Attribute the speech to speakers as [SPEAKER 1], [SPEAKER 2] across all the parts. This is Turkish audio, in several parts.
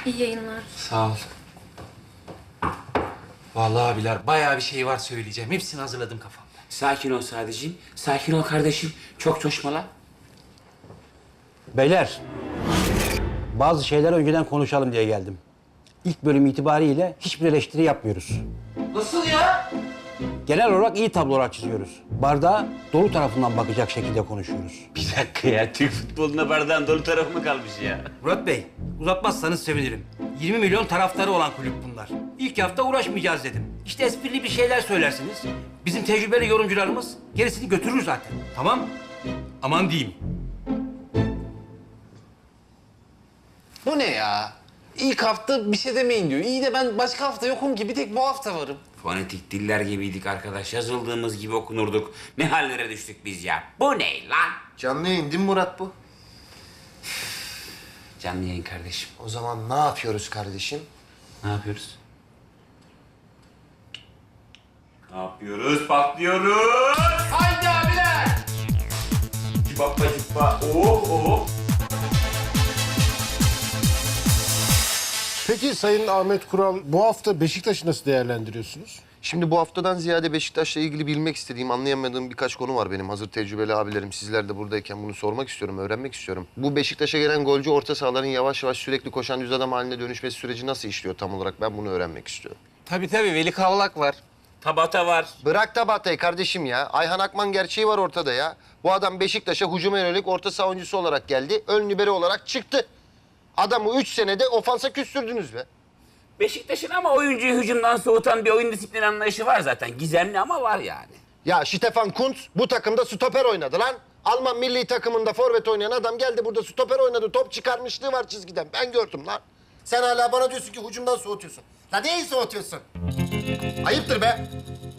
[SPEAKER 1] İyi yayınlar.
[SPEAKER 2] Sağ ol. Vallahi abiler bayağı bir şey var söyleyeceğim. Hepsini hazırladım kafamda.
[SPEAKER 3] Sakin ol sadece. Sakin ol kardeşim. Çok coşmala.
[SPEAKER 4] Beyler, bazı şeyler önceden konuşalım diye geldim. İlk bölüm itibariyle hiçbir eleştiri yapmıyoruz.
[SPEAKER 2] Nasıl ya?
[SPEAKER 4] Genel olarak iyi tablolar çiziyoruz. Bardağa dolu tarafından bakacak şekilde konuşuyoruz.
[SPEAKER 3] Bir dakika ya. Türk futboluna bardağın dolu tarafı mı kalmış ya?
[SPEAKER 4] Murat Bey, uzatmazsanız sevinirim. 20 milyon taraftarı olan kulüp bunlar. İlk hafta uğraşmayacağız dedim. İşte esprili bir şeyler söylersiniz. Bizim tecrübeli yorumcularımız gerisini götürür zaten. Tamam? Aman diyeyim.
[SPEAKER 2] Bu ne ya? İlk hafta bir şey demeyin diyor. İyi de ben başka hafta yokum ki. Bir tek bu hafta varım.
[SPEAKER 3] Fonetik diller gibiydik arkadaş. Yazıldığımız gibi okunurduk. Ne hallere düştük biz ya? Bu ne lan?
[SPEAKER 5] Canlı yayın değil mi Murat bu?
[SPEAKER 3] Canlı yayın kardeşim.
[SPEAKER 5] O zaman ne yapıyoruz kardeşim?
[SPEAKER 3] Ne yapıyoruz? Ne yapıyoruz? Patlıyoruz. Haydi abiler. Cipappa cippa. Oh oh.
[SPEAKER 6] Peki Sayın Ahmet Kural, bu hafta Beşiktaş'ı nasıl değerlendiriyorsunuz?
[SPEAKER 5] Şimdi bu haftadan ziyade Beşiktaş'la ilgili bilmek istediğim, anlayamadığım birkaç konu var benim. Hazır tecrübeli abilerim, sizler de buradayken bunu sormak istiyorum, öğrenmek istiyorum. Bu Beşiktaş'a gelen golcü orta sahaların yavaş yavaş sürekli koşan düz adam haline dönüşmesi süreci nasıl işliyor tam olarak? Ben bunu öğrenmek istiyorum.
[SPEAKER 2] Tabii Veli Kavlak var.
[SPEAKER 3] Tabata var.
[SPEAKER 5] Bırak da Batay kardeşim ya. Ayhan Akman gerçeği var ortada ya. Bu adam Beşiktaş'a hücuma yönelik orta saha oyuncusu olarak geldi. Ön libero olarak çıktı. Adamı 3 senede ofansa küstürdünüz be.
[SPEAKER 3] Beşiktaş'ın ama oyuncuyu hücumdan soğutan bir oyun disiplini anlayışı var zaten. Gizemli ama var yani.
[SPEAKER 5] Ya Stefan Kuntz bu takımda stoper oynadı lan. Alman milli takımında forvet oynayan adam geldi burada stoper oynadı. Top çıkarmışlığı var çizgiden. Ben gördüm lan. Sen hala bana diyorsun ki hücumdan soğutuyorsun. La neyi soğutuyorsun? Ayıptır be.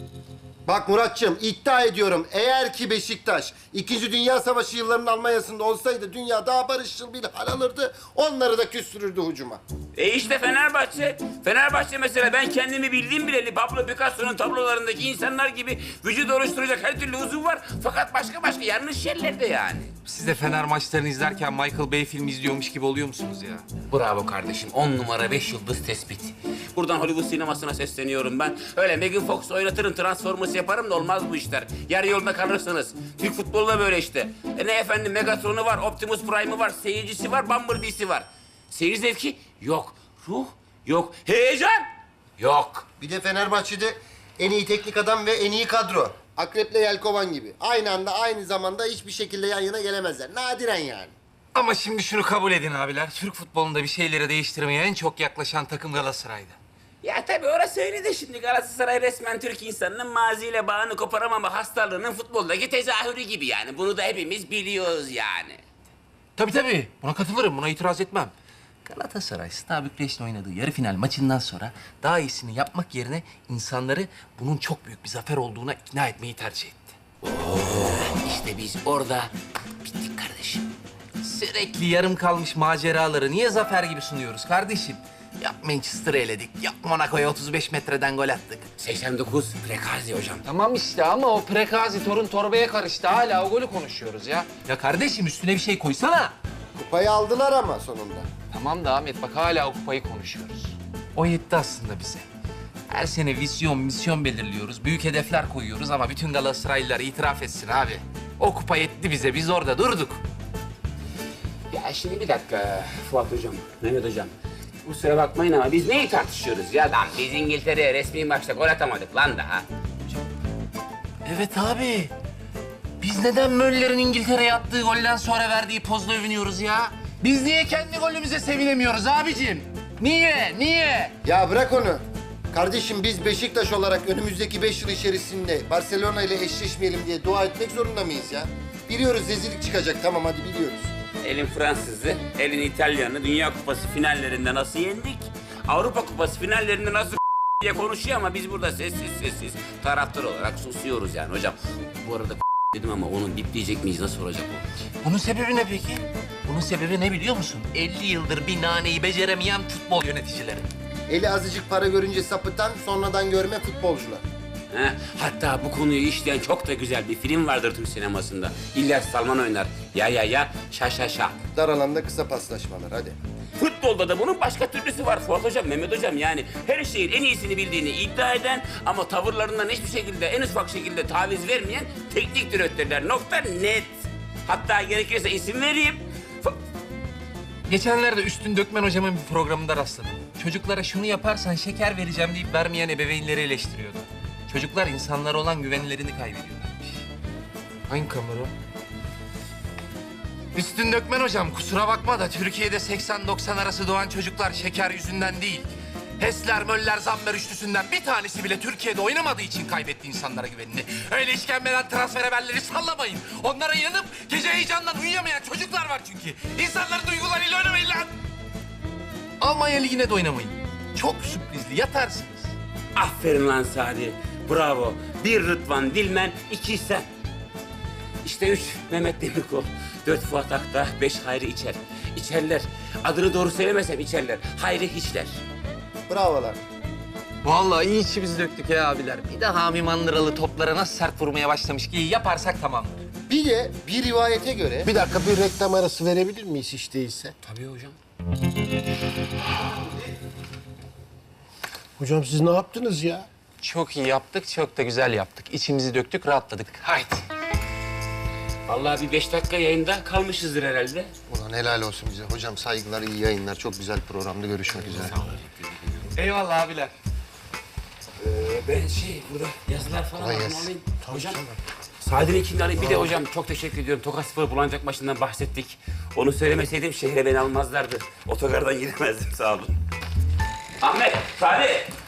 [SPEAKER 5] Bak Muratçığım iddia ediyorum eğer ki Beşiktaş 2. Dünya Savaşı yıllarının Almanya'sında olsaydı dünya daha barışçıl bir hal alırdı. Onları da küstürürdü hücuma.
[SPEAKER 3] İşte Fenerbahçe. Fenerbahçe mesela ben kendimi bildiğim bileli Pablo Picasso'nun tablolarındaki insanlar gibi vücut oluşturacak her türlü uzun var. Fakat başka yanlış yerlerde yani.
[SPEAKER 2] Siz de Fener maçlarını izlerken Michael Bay filmi izliyormuş gibi oluyor musunuz ya?
[SPEAKER 3] Bravo kardeşim. 10 numara 5 yıldız tespit. Buradan Hollywood sinemasına sesleniyorum ben. Öyle Megan Fox oynatırım, Transformers yaparım da olmaz bu işler. Yarı yolda kalırsınız. Türk futbolu da böyle işte. Ne efendim Megatron'u var, Optimus Prime'ı var, seyircisi var, Bumblebee'si var. Seyir zevki yok. Ruh yok. Heyecan yok.
[SPEAKER 5] Bir de Fenerbahçe'de en iyi teknik adam ve en iyi kadro. Akrep'le Yelkovan gibi. Aynı anda aynı zamanda hiçbir şekilde yan yana gelemezler. Nadiren yani.
[SPEAKER 2] Ama şimdi şunu kabul edin abiler. Türk futbolunda bir şeyleri değiştirmeye en çok yaklaşan takım Galatasaray'dı.
[SPEAKER 3] Ya tabii orası öyle de şimdi Galatasaray resmen Türk insanının maziyle bağını koparamama hastalığının futboldaki tezahürü gibi yani. Bunu da hepimiz biliyoruz yani.
[SPEAKER 2] Tabii. Buna katılırım. Buna itiraz etmem. Galatasaray, Steaua Bükreş'in oynadığı yarı final maçından sonra daha iyisini yapmak yerine insanları bunun çok büyük bir zafer olduğuna ikna etmeyi tercih etti.
[SPEAKER 3] İşte biz orada bittik kardeşim.
[SPEAKER 2] Sürekli yarım kalmış maceraları niye zafer gibi sunuyoruz kardeşim? Yap Manchester'ı eledik, yap Monaco'ya 35 metreden gol attık.
[SPEAKER 3] 89 Prekazi hocam.
[SPEAKER 2] Tamam işte ama o Prekazi torun torbaya karıştı. Hala o golü konuşuyoruz ya. Ya kardeşim üstüne bir şey koysana.
[SPEAKER 5] Kupayı aldılar ama sonunda.
[SPEAKER 2] Tamam da Ahmet bak hala o kupayı konuşuyoruz. O yetti aslında bize. Her sene misyon belirliyoruz. Büyük hedefler koyuyoruz ama bütün Galatasaraylılar itiraf etsin abi. O kupa yetti bize. Biz orada durduk.
[SPEAKER 3] Ya şimdi bir dakika Fuat hocam, Mehmet hocam. Kusura bakmayın ama biz neyi tartışıyoruz ya lan? Biz İngiltere'ye resmi maçta gol atamadık lan daha.
[SPEAKER 2] Evet abi. Biz neden Möller'in İngiltere'ye attığı golden sonra verdiği pozla övünüyoruz ya? Biz niye kendi golümüze sevinemiyoruz abicim? Niye?
[SPEAKER 5] Ya bırak onu. Kardeşim biz Beşiktaş olarak önümüzdeki 5 yıl içerisinde Barcelona ile eşleşmeyelim diye dua etmek zorunda mıyız ya? Biliyoruz rezillik çıkacak tamam hadi biliyoruz.
[SPEAKER 3] Elin Fransız'ı, elin İtalyan'ı Dünya Kupası finallerinde nasıl yendik? Avrupa Kupası finallerinde nasıl diye konuşuyor ama biz burada sessiz taraftar olarak susuyoruz yani hocam. Bu arada dedim ama onu bipleyecek miyiz? Nasıl olacak o?
[SPEAKER 2] Bunun sebebi ne peki? Bunun sebebi ne biliyor musun? 50 yıldır bir naneyi beceremeyen futbol yöneticileri.
[SPEAKER 5] Eli azıcık para görünce sapıtan sonradan görme futbolcular.
[SPEAKER 3] He? Hatta bu konuyu işleyen çok da güzel bir film vardır Türk sinemasında. İlyas Salman oynar. Ya şa.
[SPEAKER 5] Dar alanda kısa paslaşmalar hadi.
[SPEAKER 3] Futbolda da bunun başka türlüsü var Fuat Hocam, Mehmet Hocam. Yani her şeyin en iyisini bildiğini iddia eden ama tavırlarından hiçbir şekilde, en ufak şekilde taviz vermeyen teknik direktörler. Nokta net. Hatta gerekirse isim vereyim.
[SPEAKER 2] Geçenlerde Üstün Dökmen hocamın bir programında rastladım. Çocuklara şunu yaparsan şeker vereceğim deyip vermeyen ebeveynleri eleştiriyordu. Çocuklar insanlara olan güvenlerini kaybediyorlarmış. Hangi kamera? Üstün Dökmen hocam kusura bakma da Türkiye'de 80-90 arası doğan çocuklar şeker yüzünden değil. Hesler, Möller, Zammer üçlüsünden bir tanesi bile Türkiye'de oynamadığı için kaybetti insanlara güvenini. Öyle işkembeden transfer haberleri sallamayın. Onlara yanıp gece heyecandan uyuyamayan çocuklar var çünkü. İnsanların duygularıyla oynamayın lan. Almanya Ligi'ne de oynamayın. Çok sürprizli, yatarsınız.
[SPEAKER 3] Aferin lan Sadi. Bravo. 1 Rıdvan Dilmen, 2 sen. İşte 3 Mehmet Demirkol, 4 Fuat Akta, 5 Hayri İçer. İçerler. Adını doğru söylemesem içerler. Hayri hiçler.
[SPEAKER 5] Bravolar.
[SPEAKER 2] Vallahi iyi içimizi döktük ya abiler. Bir de Hami Mandıralı toplara nasıl sert vurmaya başlamış ki yaparsak tamamdır.
[SPEAKER 5] Bir de bir rivayete göre... Bir dakika bir reklam arası verebilir miyiz hiç değilse?
[SPEAKER 3] Tabii hocam.
[SPEAKER 6] Hocam siz ne yaptınız ya?
[SPEAKER 2] Çok iyi yaptık, çok da güzel yaptık. İçimizi döktük, rahatladık. Haydi.
[SPEAKER 3] Vallahi bir 5 dakika yayında kalmışızdır herhalde.
[SPEAKER 5] Ulan helal olsun bize. Hocam saygılar, iyi yayınlar. Çok güzel programda görüşmek üzere.
[SPEAKER 2] Eyvallah abiler.
[SPEAKER 3] Ben burada yazılar falan
[SPEAKER 5] Kolay
[SPEAKER 3] alayım.
[SPEAKER 5] gelsin.
[SPEAKER 3] Hocam, Sadi'nin kimliğini alayım. Bir de hocam çok teşekkür ediyorum. Tokat Spor Bulancak maçından bahsettik. Onu söylemeseydim şehre beni almazlardı. Otogardan giremezdim, sağ olun. Ahmet, Sadi.